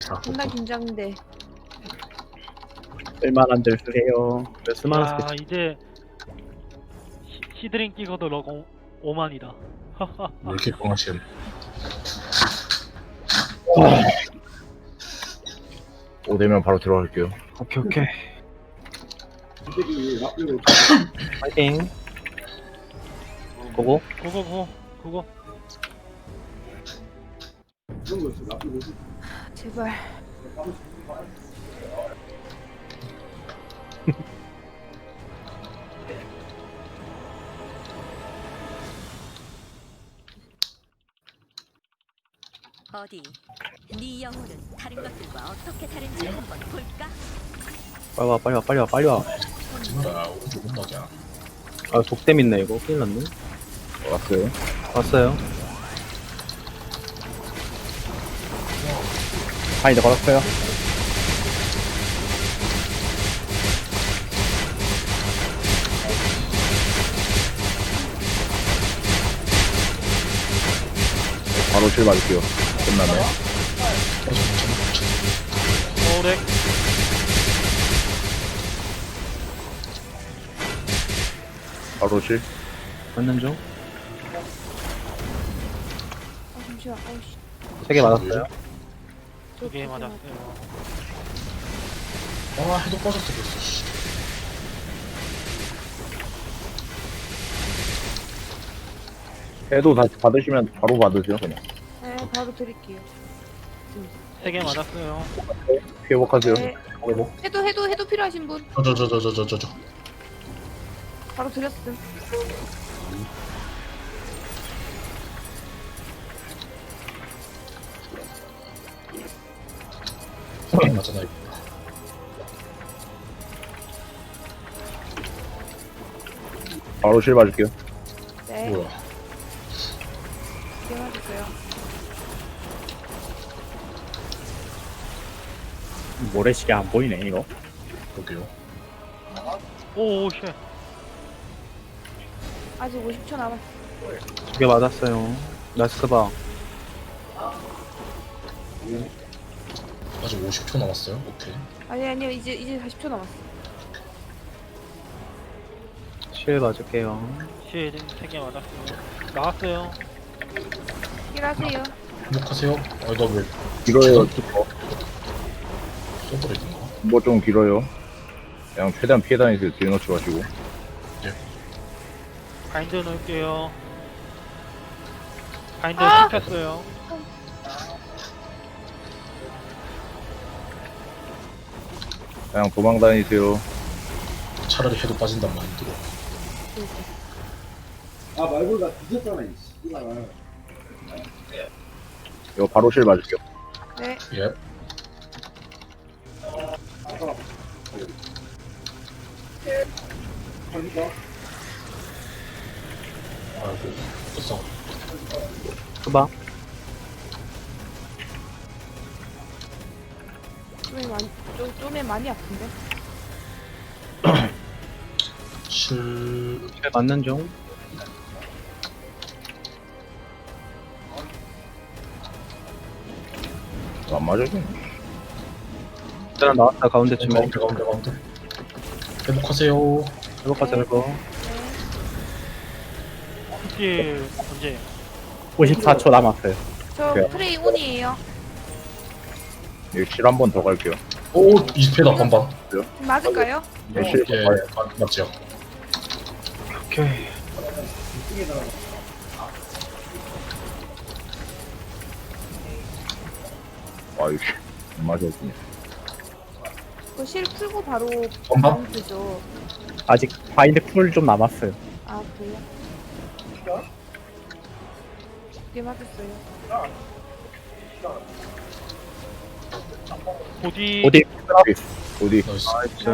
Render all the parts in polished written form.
존나 긴장돼. 쓸만한 들 쓰세요. 왜 쓸만한 야 스킬? 이제 시드링 찍어도 럭 5만이다. 왜 이렇게 뻥하시는? 오 되면 바로 들어갈게요. 오케이 오케이. 파이팅. 고고. 그거 제발. 어디? 네 영혼은 다른 것들과 어떻게 다른지 한번 볼까? 빨리 와 빨리 와 빨리 와 빨리 와. 진짜 오른쪽 온다냐? 아 독댐 있네 이거. 큰일 났네. 왔어요. 왔어요. 바인드 걸었어요. 바로 실 맞을게요. 끝나네. 오렉 바로 실. 맞는 중. 잠시만. 어이씨. 3개 맞았어요. 2개 맞았어요. 아 해도 빠졌어 벌써. 씨. 해도 다시 받으시면 바로 받으세요 그냥. 네, 바로 드릴게요. 3개 맞았어요. 회복하세요. 네. 회복. 해도 필요하신 분 저저저저저저. 바로 드렸음. 맞잖아 이거. 바로 실 맞을게요. 네. 뭐야? 이게 맞았어요. 모래시계 안 보이네 이거. 볼게요. 오오 쉣. 아직 50초 남았어. 2개 맞았어요. 나이스 봐. 아직 50초 남았어요. 오케이. 아니요. 이제 40초 남았어. 실 맞을게요. 실 3개 맞았어요. 나왔어요. 힐하세요. 회복하세요. 아니 나왜 길어요? 쏘버리던가. 뭐 좀 길어요. 그냥 최대한 피해 다니세요. 뒤에 놓지 마시고. 바인드 넣을게요. 바인드 아! 시켰어요. 그냥 도망 다니세요. 차라리 해도 빠진단 마인드로. 아 말고 나 뒤졌잖아 이 씨발. 이거 바로 실 맞을게요. 네. 예. 아이고, 됐어. 봐. 좀에 많이 아픈데. 실, 실 맞는 중. 안 맞아요? 일단 나왔다 가운데쯤에. 가운데. 회복하세요. 회복하세요 이거. 실 언제? 54초 남았어요. 저 네. 프레이 온이에요. 여기 실 한 번 더 갈게요. 오, 20회다, 반반. 맞을까요? 실, 예, 맞죠. 오케이. 아, 이거 안 맞았군요. 그 실 풀고 바로 엄마? 바운드죠. 아직 바인드 풀 좀 남았어요. 아 그래요? 두개 맞았어요. 보디 어디? 어디? 나이스.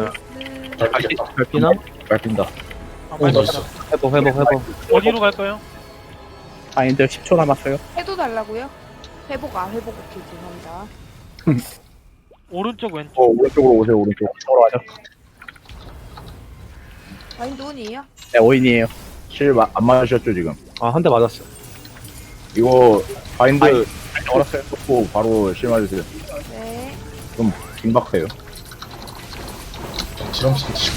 잘 피나? 핀다. 아, 오, 나이스. 회복. 어디로 갈까요? 바인드 10초 남았어요. 해도 달라고요? 회복 오케이 죄송합니다. 오른쪽 왼쪽. 오른쪽으로 오세요, 오른쪽. 이쪽으로 와죠. 마인드 온이에요? 네 5인이에요. 실 안 맞으셨죠, 지금? 아 한 대 맞았어. 이거, 바인드, 얼었어요. 고 바로 실 맞으세요. 네. 좀 긴박해요. 딜하면서 드시고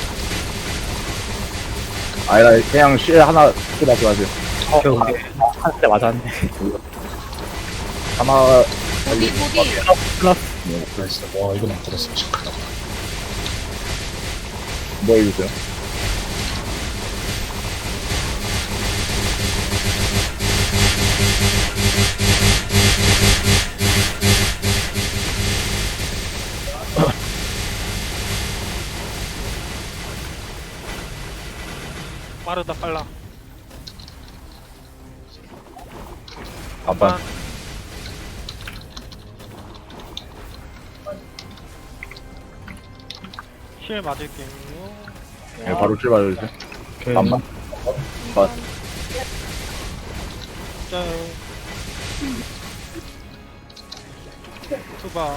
아니라 그냥 실 하나 쏘다지 마세요. 한 대 맞았네. 하나 보디, 보디. 나이스. 와 이건 안 걸었어. 진짜 큰일 났다. 뭐 해주세요. 빠르다 빨라. 반반. 실 맞을게요. 네, 바로 실 맞아주세요. 반반. 반. 짤. 투바.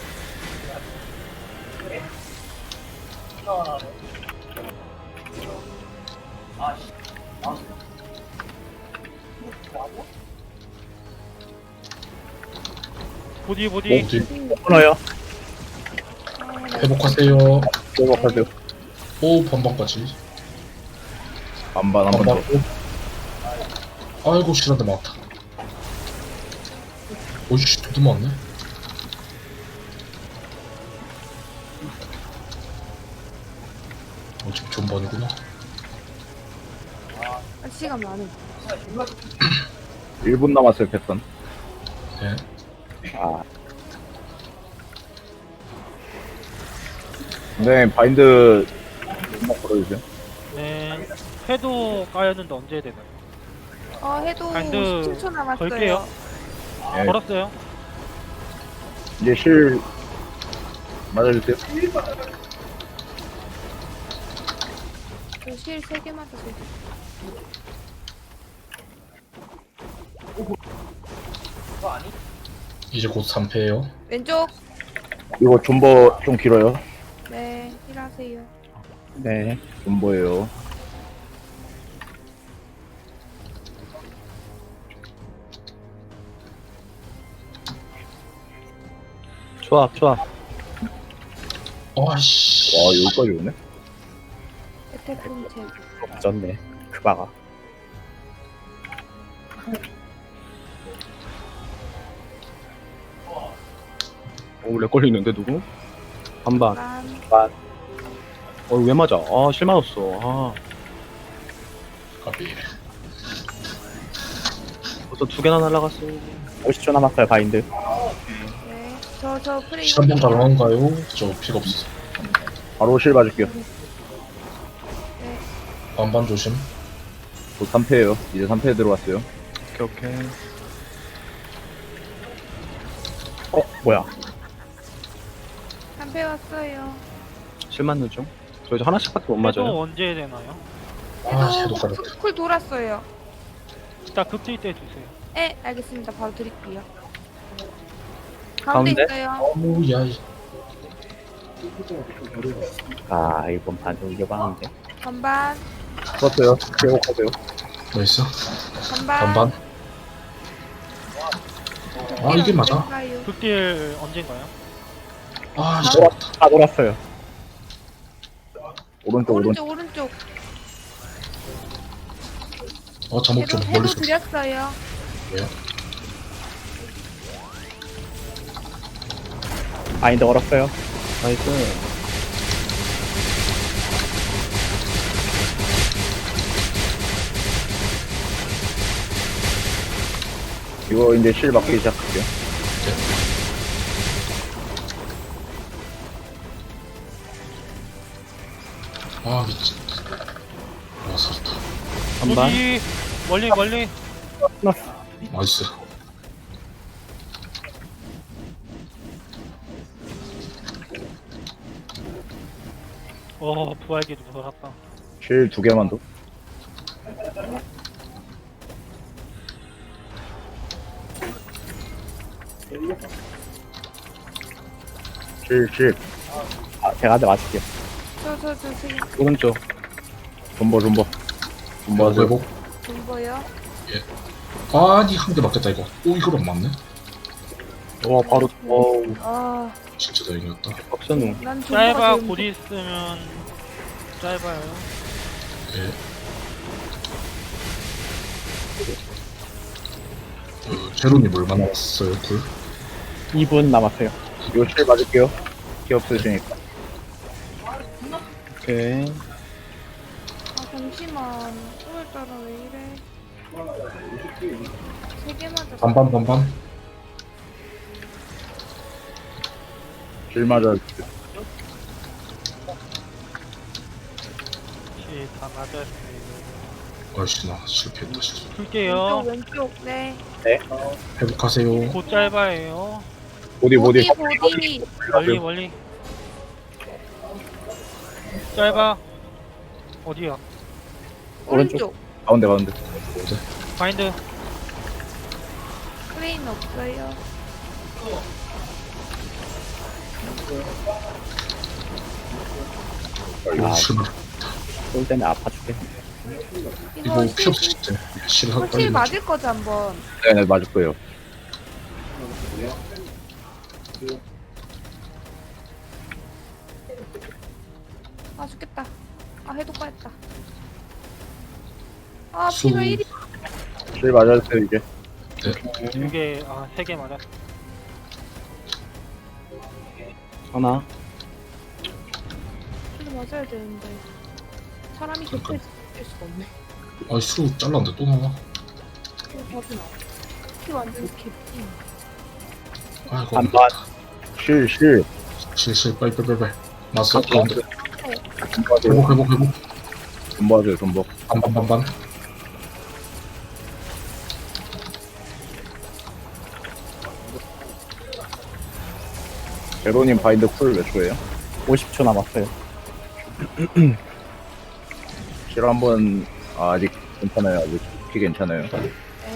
보디 보디. 딜 끊어요. 회복하세요. 회복하세요. 오 반반까지. 반반 한 번 더. 아이고 실한데 많다. 오이씨 두두 많네. 지금 존반이구나. 시간 많음. 1분 남았어요, 패턴. 네. 아, 네, 바인드 한번 걸어주세요. 네. 해도 까였는데 언제 해야 되나요? 해도 바인드 17초 남았어요. 걸게요. 네, 걸었어요. 이제 실 맞아주세요. 저실 3개 맞았어요. 이제 곧 3패예요. 왼쪽. 이거 존버 좀 길어요. 네, 힐하세요. 네. 존버예요. 조합, 조합. 아씨. 와, 여기까지 오네? 혜택 공채. 맞았네. 그바가. 렉 걸리는데 누구? 반반. 반. 왜 맞아? 아, 실 맞았어. 아, 까비. 벌써 2개나 날라갔어. 50초 남았어요, 바인드. 네. 저 프레이. 실한번 가능한가요? 저 피가 없어. 바로 실 맞을게요. 반반 조심. 곧 3패예요. 이제 3패 들어왔어요. 오케이, 오케이. 뭐야. 한패 왔어요. 실 맞는 중. 저 이제 하나씩밖에 못 해도 맞아요. 언제 해야 되나요? 아 해도 가렸다. 쿨 돌았어요. 일단 극딜 때 주세요. 네, 알겠습니다. 바로 드릴게요. 가운데 가운데? 있어요. 오야. 아, 이번 반도 이겨봤는데. 반반. 썼어요. 회복하세요. 나이스. 반반. 반반. 아 이게 맞아. 될까요? 극딜 언젠가요? 아 진짜 맞다. 다 돌았어요. 오른쪽, 오른쪽. 오른쪽. 잠옷 좀 해도 멀리서. 드렸어요. 왜요? 바인드 걸었어요. 나이스. 이거 이제 실 맞기 시작할게요. 아 미친. 와 살았다. 반반. 보디 멀리 멀리. 나이스. 부활기도 돌았다. 실 2개만 더. 실. 아, 제가 한 대 맞을게요. 저 오른쪽. 존버. 존버하세요. 회복. 돈 보여. 아니 한 대 맞겠다 이거. 오 이걸 안 맞네. 와 바로 어우 아, 진짜 다행이었다. 박선우. 난 짧아 지금 곧 있으면 짧아요. 네. 제로님 얼마나 왔어요, 굴? 2분 남았어요. 이거 실 맞을게요. 피 없으시니까. 오케이. 아, 잠시만. 오늘따라 왜 이래? 3개 맞아. 반반. 실 맞아. 다 맞았어요. 아이씨, 나 실패했다, 진짜. 풀게요. 왼쪽. 네. 회복하세요. 곧 짧아요. 보디. 보디. 멀리. 짧아. 어디야? 오른쪽. 가운데. 바인드. 크레인 없어요. 이거 실물. 쏠 때문에 아파 죽겠네. 이거 피 없을 때 실하고 혹시 빨리 맞을 거지 한번. 네, 맞을 거예요. 아, 죽겠다. 아, 해도 까였다. 아, 수- 피가 1이. 실 맞았어요, 이제. 2개, 3개 맞았어. 하나. 피가 맞아야 되는데. 사람이 곁에 있을 수가 없네. 아이 수 잘랐는데 또 나와. 이거 봐주나. 피 완전 개피. 아이고. 반반. 실. 실실 빨리. 맞어. 가운데. 돈 회복. 맞아요, 돈. 반반. 제로님 바인드 쿨 몇 초예요? 50초 남았어요. 실 한번 아직 괜찮아요. 아직 피 괜찮아요. 네.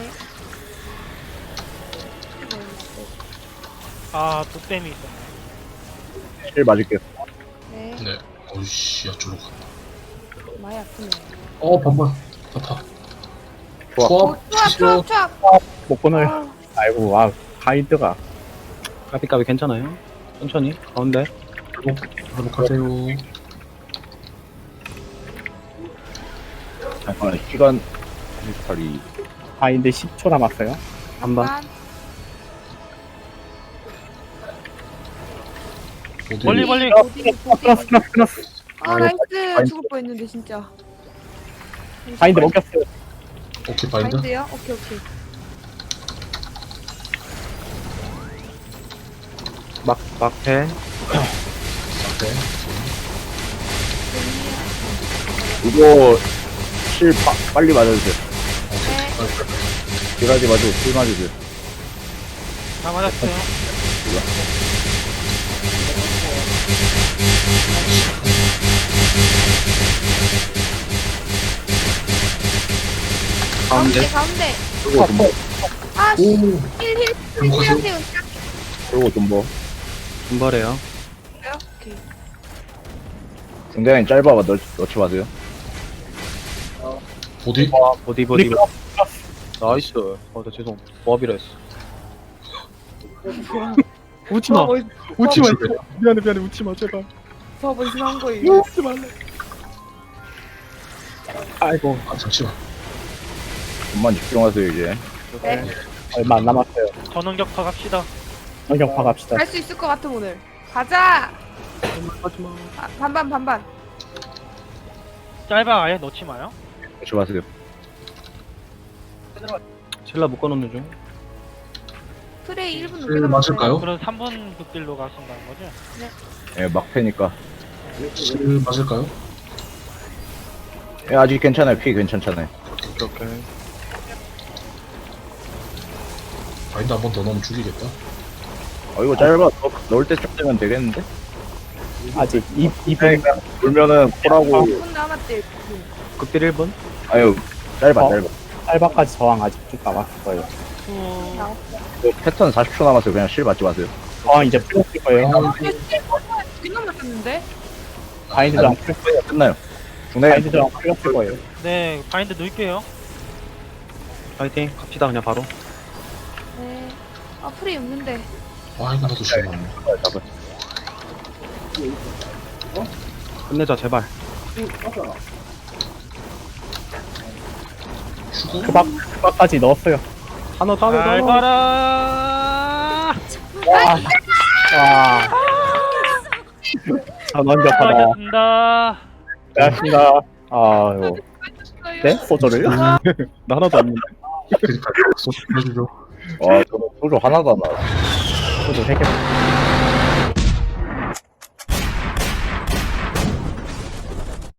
독댐이 있어. 실 맞을게요. 네. 네. 어이씨, 야 저로 가. 많이 아프네. 반반. 아파. 좋아. 추악. 못 끊어요. 아이고, 와, 가이드가. 까비까비 괜찮아요? 천천히. 가운데. 회복하세요. 잠깐만, 시간. 팔이. 바인드 10초 남았어요. 반반. 어디? 멀리. 끊었어. 아, 나이스. 죽을 뻔했는데 진짜. 바인드 먹였어요. 오케이 바인드. 바인드요? 오케이. 막패. 네. 이거 실 빨리 맞아주세요. 네. 딜하지 마시고 실 맞으세요. 다 맞았어요. 가운데. 그리고 좀 뭐. 아, 씨. 힐. 회복하세요. 그리고 좀 뭐. 분발해요. 오케이. 굉장히 짧아 넣지 마세요. 보디. 보디. 나이스. 나 죄송. 보합이라 했어. 웃지마. 웃지마. 미안해. 웃지마 제발. 저번 심한 거예요. 웃지 말래. 아이고. 아 잠시만. 좀만 집중하세요 이제. 네. 얼마 안 남았어요. 전원격파 갑시다. 성격파 갑시다. 할 수 있을 것 같아 오늘. 가자. 하지마. 아, 반반. 짧아 아예 넣지 마요. 넣지 마세요. 젤라 묶어놓는 중. 프레이 1분 실 맞을까요? 그럼 3분 극딜로 가신다는 거죠? 예, 막패니까. 실 맞을까요? 예, 아직 괜찮아요. 피 괜찮잖아요. 오케이. 바인드 한 번 더 넣으면 죽이겠다. 이거 짧아. 넣을 때쯤 되면 되겠는데? 아직 2분. 그러니까 돌면은 콜하고. 1분 남았대. 극딜 1분. 아유, 짧아. 알바까지 저항 아직 쭉 남았을 거예요. 이거 패턴 40초 남았어요. 그냥 실 맞지 마세요. 저항 이제 풀렸을 거예요. 두개 남았었는데? 바인드도 안 풀렸을 거예요. 끝나요. 중간에 바인드도 안 풀렸을 거예요. 네, 바인드 넣을게요. 파이팅. 갑시다 그냥 바로. 네. 아 프레이 없는데. 와 이거 나도 실망. 잡아. 끝내자 제발. 죽어? 그박까지 넣었어요. 단어 잘 단어. 가라. 와. 아, 완벽하다. 수고하셨습니다. 고맙습니다. 아유. 네? 소저를요? 나 하나도 없는데. 그니까 소주 해주죠. 와, 저거 소주 하나도 안 나와. 소저 3개.